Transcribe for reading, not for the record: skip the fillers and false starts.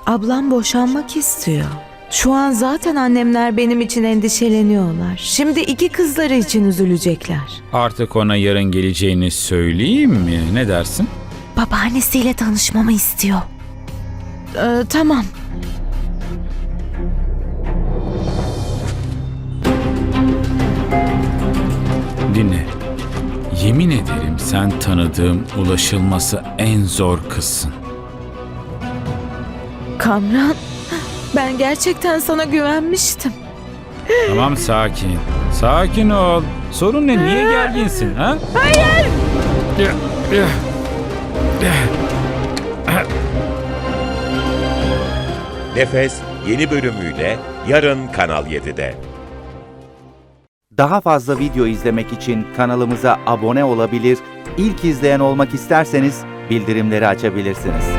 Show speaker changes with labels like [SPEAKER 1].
[SPEAKER 1] Ablam boşanmak istiyor. Şu an zaten annemler benim için endişeleniyorlar. Şimdi iki kızları için üzülecekler.
[SPEAKER 2] Artık ona yarın geleceğini söyleyeyim mi? Ne dersin?
[SPEAKER 1] Babaannesiyle tanışmamı istiyor. Tamam.
[SPEAKER 2] Dinle. Yemin ederim sen tanıdığım ulaşılması en zor kızsın.
[SPEAKER 1] Kamran, ben gerçekten sana güvenmiştim.
[SPEAKER 2] Tamam, sakin. Sakin ol. Sorun ne? Niye gerginsin ha?
[SPEAKER 1] Hayır!
[SPEAKER 3] Nefes yeni bölümüyle yarın Kanal 7'de.
[SPEAKER 4] Daha fazla video izlemek için kanalımıza abone olabilir, ilk izleyen olmak isterseniz bildirimleri açabilirsiniz.